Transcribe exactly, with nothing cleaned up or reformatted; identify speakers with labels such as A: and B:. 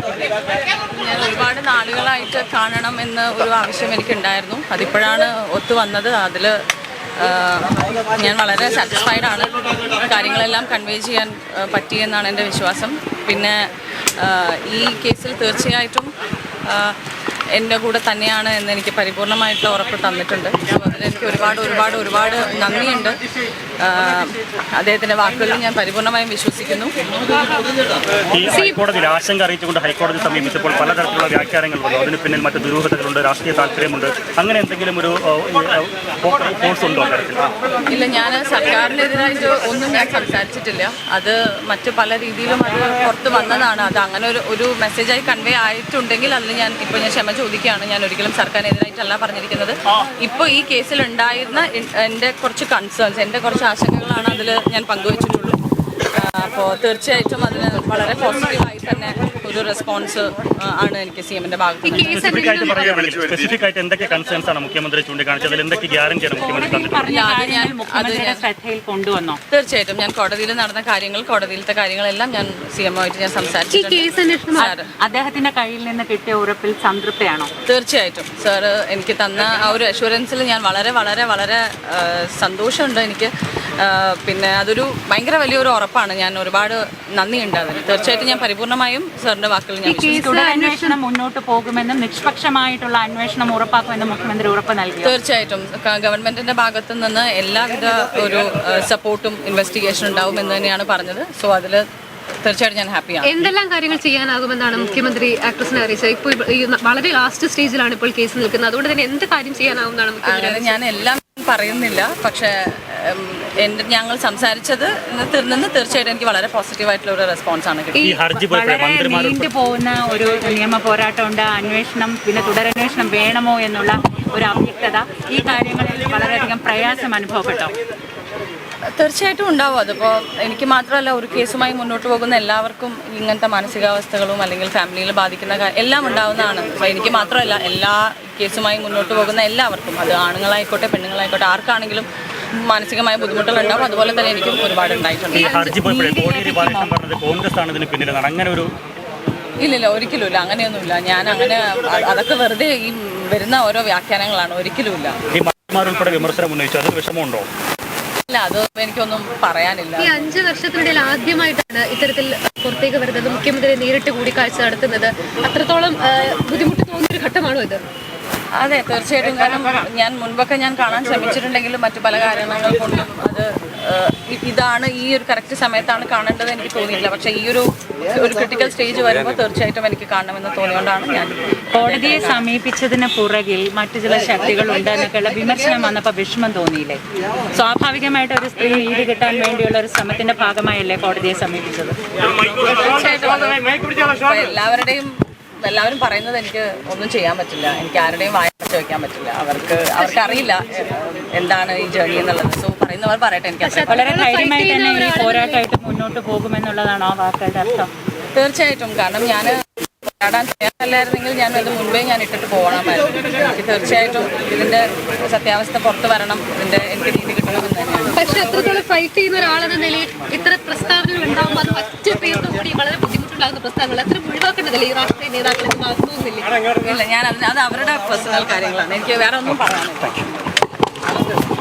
A: ഞാൻ ഒരുപാട് നാളുകളായിട്ട് കാണണം എന്ന ഒരു ആവശ്യം എനിക്കുണ്ടായിരുന്നു. അതിപ്പോഴാണ് ഒത്തു വന്നത്. അതിൽ ഞാൻ വളരെ സാറ്റിസ്ഫൈഡ് ആണ്. കാര്യങ്ങളെല്ലാം കൺവേ ചെയ്യാൻ പറ്റിയെന്നാണ് എൻ്റെ വിശ്വാസം. പിന്നെ ഈ കേസിൽ തീർച്ചയായിട്ടും എൻ്റെ കൂടെ തന്നെയാണ് എന്ന് എനിക്ക് പരിപൂർണമായിട്ടുള്ള ഉറപ്പ് തന്നിട്ടുണ്ട്. സോ അതിലെനിക്ക് ഒരുപാട് ഒരുപാട് ഒരുപാട് നന്ദിയുണ്ട്. അദ്ദേഹത്തിൻ്റെ വാക്കുകളിൽ ഞാൻ പരിപൂർണമായും വിശ്വസിക്കുന്നു.
B: ഈ ഹൈക്കോടതിയിൽ ആശങ്ക അറിയിച്ചുകൊണ്ട് ഹൈക്കോടതി സമീപിച്ചപ്പോൾ പലതരത്തിലുള്ള വ്യാഖ്യാനങ്ങൾ വന്നു. അതിന് പിന്നിൽ മറ്റ് ദുരൂഹതകളുണ്ട്, രാഷ്ട്രീയ താല്പര്യമുണ്ട്. അങ്ങനെ എന്തെങ്കിലും ഒരു ഫോഴ്സ് ഉണ്ടോ?
A: ഇല്ല, ഞാൻ സർക്കാരിനെതിരായിട്ട് ഒന്നും ഞാൻ സംസാരിച്ചിട്ടില്ല. അത് മറ്റ് പല രീതിയിലും അത് പുറത്ത് വന്നതാണ്. അത് അങ്ങനെ ഒരു ഒരു മെസ്സേജായി കൺവേ ആയിട്ടുണ്ടെങ്കിൽ അതിൽ ഞാൻ ഇപ്പോൾ ഞാൻ ക്ഷമ ചോദിക്കുകയാണ്. ഞാൻ ഒരിക്കലും സർക്കാരിനെതിരായിട്ടല്ല പറഞ്ഞിരിക്കുന്നത്. ഇപ്പോൾ ഈ കേസിൽ ഉണ്ടായിരുന്ന എൻ്റെ കുറച്ച് കൺസേൺസ്, എൻ്റെ കുറച്ച് ആശങ്കകളാണ് അതിൽ ഞാൻ പങ്കുവച്ചിട്ടുള്ളൂ. അപ്പോൾ തീർച്ചയായിട്ടും അതിന് വളരെ പോസിറ്റീവായി തന്നെ ഒരു റെസ്പോൺസ് ആണ് എനിക്ക് സി എമ്മിന്റെ ഭാഗത്ത്.
B: സ്പെസിഫിക് ആയിട്ട് എന്തൊക്കെ കൺസേൺസ് ആണ് മുഖ്യമന്ത്രി ചൂണ്ടിക്കാണിച്ചത്? അതിൽ എന്തൊക്കെ ഗ്യാരണ്ടിയാണ് മുഖ്യമന്ത്രി
A: ശ്രദ്ധയിൽ കൊണ്ടുവന്നോ? തീർച്ചയായിട്ടും ഞാൻ കോടതിയിൽ നടന്ന കാര്യങ്ങൾ, കോടതിയിലത്തെ കാര്യങ്ങളെല്ലാം ഞാൻ സി എമ്മുമായിട്ട് ഞാൻ സംസാരിച്ചിട്ടുണ്ട്.
C: അദ്ദേഹത്തിന്റെ കയ്യിൽ നിന്ന് കിട്ടിയ ഉറപ്പിൽ സംതൃപ്തിയാണോ?
A: തീർച്ചയായിട്ടും സാർ എനിക്ക് തന്ന ആ ഒരു അഷുറൻസിൽ ഞാൻ വളരെ വളരെ വളരെ സന്തോഷമുണ്ട് എനിക്ക്. പിന്നെ അതൊരു ഭയങ്കര വലിയൊരു ഉറപ്പാണ്. ഞാൻ ഒരുപാട് നന്ദിയുണ്ട് അതിന്. തീർച്ചയായിട്ടും ഞാൻ പരിപൂർണമായും സാറിന്റെ വാക്കുകൾ ഞാൻ
C: അന്വേഷണം മുന്നോട്ട് പോകുമെന്നും നിഷ്പക്ഷമായിട്ടുള്ള അന്വേഷണം ഉറപ്പാക്കുമെന്നും മുഖ്യമന്ത്രി ഉറപ്പ് നൽകി.
A: തീർച്ചയായിട്ടും ഗവൺമെന്റിന്റെ ഭാഗത്തു നിന്ന് എല്ലാവിധ ഒരു സപ്പോർട്ടും ഇൻവെസ്റ്റിഗേഷൻ ഉണ്ടാവും എന്ന് തന്നെയാണ് പറഞ്ഞത്. സോ അതിൽ തീർച്ചയായിട്ടും ഞാൻ ഹാപ്പിയാണ്.
D: എന്തെല്ലാം കാര്യങ്ങൾ ചെയ്യാനാകുമെന്നാണ് മുഖ്യമന്ത്രി ആക്ട്രസിനെ അറിയിച്ചത്? ഇപ്പോൾ വളരെ ലാസ്റ്റ് സ്റ്റേജിലാണ് ഇപ്പോൾ കേസ് നിൽക്കുന്നത്. അതുകൊണ്ട് തന്നെ എന്ത് കാര്യം ചെയ്യാനാവുമെന്നാണ് മുഖ്യമന്ത്രി?
A: ഞാൻ എല്ലാം പറയുന്നില്ല, പക്ഷേ എൻ്റെ ഞങ്ങൾ സംസാരിച്ചത് നിന്ന് തീർച്ചയായിട്ടും എനിക്ക് വളരെ പോസിറ്റീവായിട്ടുള്ള ഒരു റെസ്പോൺസ് ആണ് കിട്ടിയത്.
C: നീണ്ടു പോകുന്ന ഒരു നിയമ പോരാട്ടമുണ്ട്, അന്വേഷണം പിന്നെ തുടരന്വേഷണം വേണമോ എന്നുള്ള ഒരു അവ്യക്തത, ഈ കാര്യങ്ങളിൽ വളരെയധികം പ്രയാസം അനുഭവപ്പെട്ടോ?
A: തീർച്ചയായിട്ടും ഉണ്ടാവും. അതിപ്പോൾ എനിക്ക് മാത്രമല്ല, ഒരു കേസുമായി മുന്നോട്ട് പോകുന്ന എല്ലാവർക്കും ഇങ്ങനത്തെ മാനസികാവസ്ഥകളും അല്ലെങ്കിൽ ഫാമിലിയിൽ ബാധിക്കുന്ന എല്ലാം ഉണ്ടാവുന്നതാണ്. അപ്പോൾ എനിക്ക് മാത്രമല്ല, എല്ലാ കേസുമായി മുന്നോട്ട് പോകുന്ന എല്ലാവർക്കും, അത് ആണുങ്ങളായിക്കോട്ടെ പെണ്ണുങ്ങളായിക്കോട്ടെ ആർക്കാണെങ്കിലും മാനസികമായ ബുദ്ധിമുട്ടുകൾ ഉണ്ടാവും. അതുപോലെ തന്നെ എനിക്കും ഒരുപാട് ഉണ്ടായിട്ടുണ്ട്. ഇല്ലില്ല, ഒരിക്കലുമില്ല, അങ്ങനെയൊന്നുമില്ല. ഞാൻ അങ്ങനെ അതൊക്കെ വെറുതെ ഈ വരുന്ന ഓരോ വ്യാഖ്യാനങ്ങളാണ്, ഒരിക്കലുമില്ല. ഇല്ല, അത് എനിക്കൊന്നും പറയാനില്ല.
D: ഈ അഞ്ച് വർഷത്തിനിടയിൽ ആദ്യമായിട്ടാണ് ഇത്തരത്തിൽ പുറത്തേക്ക് വരുന്നത്, മുഖ്യമന്ത്രി നേരിട്ട് കൂടിക്കാഴ്ച നടത്തുന്നത്. അത്രത്തോളം ബുദ്ധിമുട്ട് തോന്നിയൊരു ഘട്ടമാണോ ഇത്?
A: അതെ, തീർച്ചയായിട്ടും. കാരണം ഞാൻ മുൻപൊക്കെ ഞാൻ കാണാൻ ശ്രമിച്ചിട്ടുണ്ടെങ്കിലും മറ്റു പല കാരണങ്ങൾ കൊണ്ടും അത് ഇതാണ് ഈ ഒരു കറക്റ്റ് സമയത്താണ് കാണേണ്ടത് എനിക്ക് തോന്നിയില്ല. പക്ഷേ ഈ ഒരു ഒരു ക്രിട്ടിക്കൽ സ്റ്റേജ് വരുമ്പോൾ തീർച്ചയായിട്ടും എനിക്ക് കാണണമെന്ന് തോന്നിയോണ്ടാണ് ഞാൻ
C: കോടതിയെ സമീപിച്ചതിന് പുറകിൽ മറ്റു ചില ശക്തികൾ ഉണ്ടെന്നൊക്കെയുള്ള വിമർശനം വന്നപ്പോൾ വിഷമം തോന്നിയില്ലേ? സ്വാഭാവികമായിട്ട് ഒരു സ്ത്രീ നീതി കിട്ടാൻ വേണ്ടിയുള്ള ഒരു ശ്രമത്തിന്റെ ഭാഗമായല്ലേ കോടതിയെ സമീപിച്ചത്?
A: തീർച്ചയായിട്ടും എല്ലാവരുടെയും എല്ലാവരും പറയുന്നത് എനിക്ക് ഒന്നും ചെയ്യാൻ പറ്റില്ല. എനിക്ക് ആരുടെയും വായ അടച്ചു വയ്ക്കാൻ പറ്റില്ല. അവർക്ക് അവർക്ക് അറിയില്ല എന്താണ് ഈ ജേർണി എന്നുള്ളത്. സോ പറയുന്നവർ പറയട്ടെ. എനിക്ക്
C: വളരെ ധൈര്യമായി തന്നെ ഈ പോരാട്ടമായിട്ട് മുന്നോട്ട് പോകുമെന്നുള്ളതാണോ ആ വാക്കുകളുടെ അർത്ഥം?
A: തീർച്ചയായിട്ടും. കാരണം ഞാൻ പോരാടാൻ തയ്യാറല്ലായിരുന്നെങ്കിൽ ഞാൻ അത് മുൻപേ ഞാൻ ഇട്ടിട്ട് പോകണമായിരുന്നു. എനിക്ക് തീർച്ചയായിട്ടും ഇതിന്റെ സത്യാവസ്ഥ പുറത്തു വരണം, ഇതിന്റെ എനിക്ക് നീതി കിട്ടണമെന്ന് തന്നെയാണ്.
D: പക്ഷെ അത്രത്തോളം ഫൈറ്റ് ചെയ്യുന്ന ഒരാളെന്ന നിലയിൽ ഇത്ര പ്രസ്താവനകൾ ഉണ്ടാകുമ്പോൾ അത് ഒറ്റ പേരിന് കൂടി വളരെ ബുദ്ധിമുട്ടുണ്ടാകുന്ന പ്രസ്താവനകൾ അത്ര ഒഴിവാക്കേണ്ടതല്ലേ ഈ രാഷ്ട്രീയ നേതാക്കളെ തോന്നുന്നില്ല?
A: ഇല്ല, ഞാൻ അത് അത് അവരുടെ പേഴ്സണൽ കാര്യങ്ങളാണ്. എനിക്ക് വേറെ ഒന്നും പറയാനില്ല.